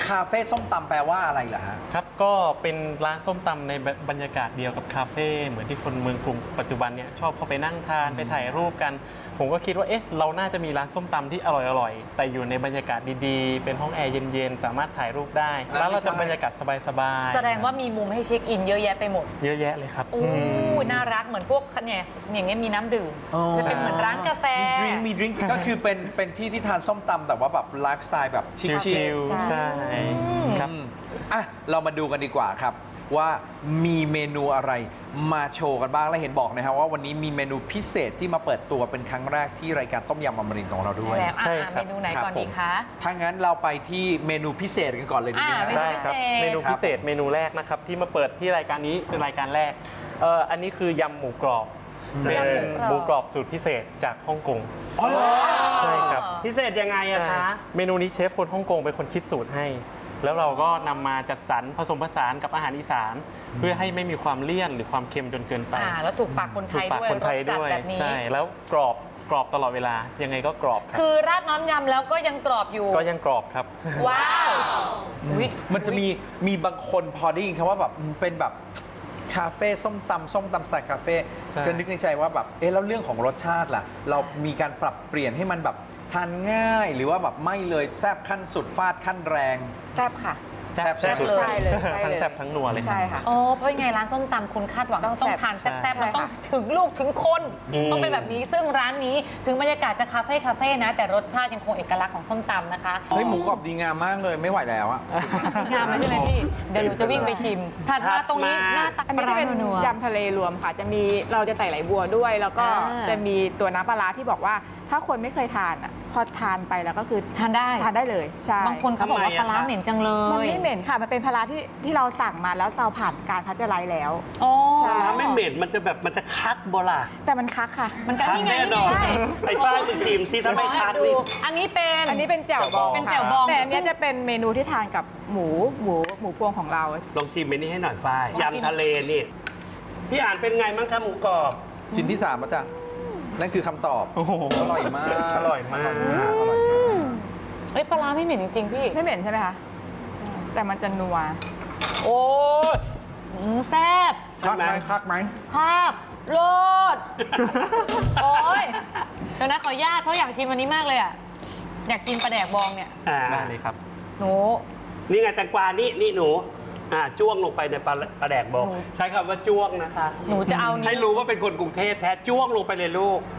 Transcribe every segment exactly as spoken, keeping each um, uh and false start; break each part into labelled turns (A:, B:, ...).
A: คาเฟ่ส้มตำแปลว่าอะไรเหรอฮะ
B: ครับก็เป็นร้านส้มตำในบรรยากาศเดียวกับคาเฟ่เหมือนที่คนเมืองกรุงปัจจุบันเนี่ยชอบเข้าไปนั่งทานไปถ่ายรูปกันผมก็คิดว่าเอ๊ะเราน่าจะมีร้านส้มตำที่อร่อยๆแต่อยู่ในบรรยากาศดีๆเป็นห้องแอร์เย็นๆสามารถถ่ายรูปได้ร้านเราจะบรรยากาศสบายๆ
C: แสดงว่ามีมุมให้เช็คอินเยอะแยะไปหมด
B: เยอะแยะเลยครับ
C: โอ้น่ารักเหมือนพวกเนี่ยอย่างเงี้ยมีน้ำดื่มจะเป็นเหมือนร้านกาแฟ
A: มีดริงก์มีดริงก์ก็คือเป็นเป็นที่ที่ทานส้มตำแต่ว่าแบบไลฟ์สไตล์แบบชิล
B: ๆใช่ครับ
A: อ่ะเรามาดูกันดีกว่าครับว่ามีเมนูอะไรมาโชว์กันบ้างและเห็นบอกนะครับว่าวันนี้มีเมนูพิเศษที่มาเปิดตัวเป็นครั้งแรกที่รายการต้มยำอมรินทร์ของเราด้วย
C: ใช่แล้วใช่เมนูไหนก่อนดีคะ
A: ถ้างั้นเราไปที่เมนูพิเศษกันก่อนเลยดีไหมครับ
B: ได้ครับเมนูพิเศษเมนูแรกนะครับที่มาเปิดที่รายการนี้เป็นรายการแรกเอ่ออันนี้คือยำหมูกรอบเป็นหมูกรอบสูตรพิเศษจากฮ่องกงใช่ครับ
D: พิเศษยังไงอะคะ
B: เมนูนี้เชฟคนฮ่องกงเป็นคนคิดสูตรให้แล้วเราก็นำมาจัดสรรผสมผสานกับอาหารอีสานเพื่อให้ไม่มีความเลี่ยนหรือความเค็มจนเกินไป
C: อ่าแล้วถูกปากคนไทยด้วยรสจัดแบบนี้
B: ใช่แล้วกรอบกรอบตลอดเวลายังไงก็กรอบครับ
C: คือราดน้ำยำแล้วก็ยังกรอบอยู่
B: ก็ยังกรอบครับ
C: ว้าว
A: มันจะมีมีบางคนพอได้ยินคำว่าแบบเป็นแบบคาเฟ่ส้มตำส้มตำสไตล์คาเฟ่ก็นึกในใจว่าแบบเอ๊ะแล้วเรื่องของรสชาติล่ะเรามีการปรับเปลี่ยนให้มันแบบทานง่ายหรือว่าแบบไม่เลยแซ่บขั้นสุดฟาดขั้นแรง
E: แซ่บค่ะ
B: แซ่บแซ่บเลย
E: ใช่เลย
B: ทั้งแซ่บทั้งนัวเลย
E: ใช่ค่ะ
C: อ๋อเพราะยังไงร้านส้มตำคุณคาดหวังต้องทานแซ่บๆมันต้องถึงลูกถึงคน ต้องเป็นแบบนี้ซึ่งร้านนี้ถึงบรรยากาศจะคาเฟ่คาเฟ่นะแต่รสชาติยังคงเอกลักษณ์ของส้มตำนะคะ
A: เฮ้ยหมูกรอบดีงามมากเลยไม่ไหวแล้วอะ
C: งามเลยใช่ไหมพี่เดี๋ยวหนูจะวิ่งไปชิมถัดมาตรงนี้หน้าตัก
E: อันนี้จะเป็นยำทะเลรวมค่ะจะมีเราจะใส่ไหลบัวด้วย แล้วก็จะมีตัวน้ำปลาร้าที่บอกว่าถ้าคนไม่เคยทานอ่ะพอทานไปแล้วก็คือ
C: ทานได้
E: ทานได้เลยใช่
C: บางคนเขาบอกว่าปลาร้าเหม็นจังเลย
E: มันไม่เหม็นค่ะมันเป็นปลาร้าที่ที่เราสั่งมาแล้วเราผ่านการพัชไลท์แล้ว
D: ใช่ไม่เหม็นมันจะแบบมันจะคักโบราณ
E: แต่มันคักค่ะ
C: มันคักนี่ไงนี่ไง
D: ไอ้ฝ้ายไปชิมซิถ้าไม่คักนี่
C: อันนี้เป็น
E: อันนี้เป็นแจ่วบอง
C: เป็นแจ่วบอง
E: แต่อันนี้จะเป็นเมนูที่ทานกับหมูหมูหมูพวงของเรา
D: ลองชิมเมนูให้หน่อยฝ้ายยำทะเลนี่พี่อ่านเป็นไงมั้งคะหมูกรอบ
A: ชิ้นที่สามแล้วจ้ะนั่นคือคำตอบอร่อยมาก
B: อร่อยมาก
A: อร่อยมาก
C: เอ้ยปลาร้าไม่เหม็นจริงๆพี่
E: ไม่เหม็นใช่ไหมคะแต่มันจะนัว
C: โอ้ยแซ่บ
A: คักไหมคักไหม
C: คักโลดโอ้ยเดี๋ยวนะขออนุญาตเพราะอยากชิมวันนี้มากเลยอ่ะอยากกินปลาแดกบองเนี่ย
B: ได้เลยครับ
C: หนู
D: นี่ไงแตงกวานี่นี่หนูอ่าจ้วงลงไปในปลาปลาแดกบองใช้คำว่าจ้วงนะคะ
C: หนูจะเอานี้
D: ให้รู้ว่าเป็นคนกรุงเทพแท้จ้วงลงไปเลยลูก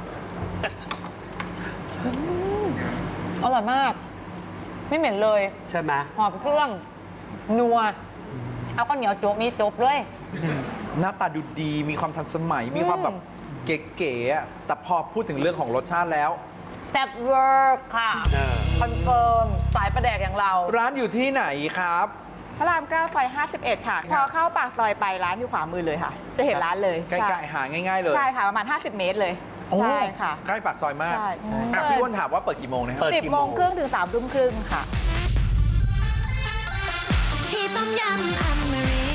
C: อร่อยมากไม่เหม็นเลย
D: ใช่ไหม
C: หอมเครื่องนัวเอาข้าวเหนียวโจ๊กนี่จบเลย
A: หน้าตาดูดีมีความทันสมัยมีความแบบเก๋ๆแต่พอพูดถึงเรื่องของรสชาติแล้ว
C: แซ่บเวอร์ค่ะคอนเฟิร์มสายปลาแดกอย่างเรา
A: ร้านอยู่ที่ไหนครับ
E: พระรามเก้าซอยห้าสิบเอ็ดค่ะพอเข้าปากซอยไปร้านอยู่ขวามือเลยค่ะจะเห็นร้านเลย
A: ใกล้ๆหาง่ายๆเลย
E: ใช่ค่ะประมาณห้าสิบเมตรเลยใช่ค่ะ
A: ใกล้ปากซอยมากพี่อ้วนถามว่าเปิดกี่โมงนะครับ
E: สิบโมงครึ่งถึงสามทุ่มครึ่งค่ะ
F: ที่ต้มยำอมริ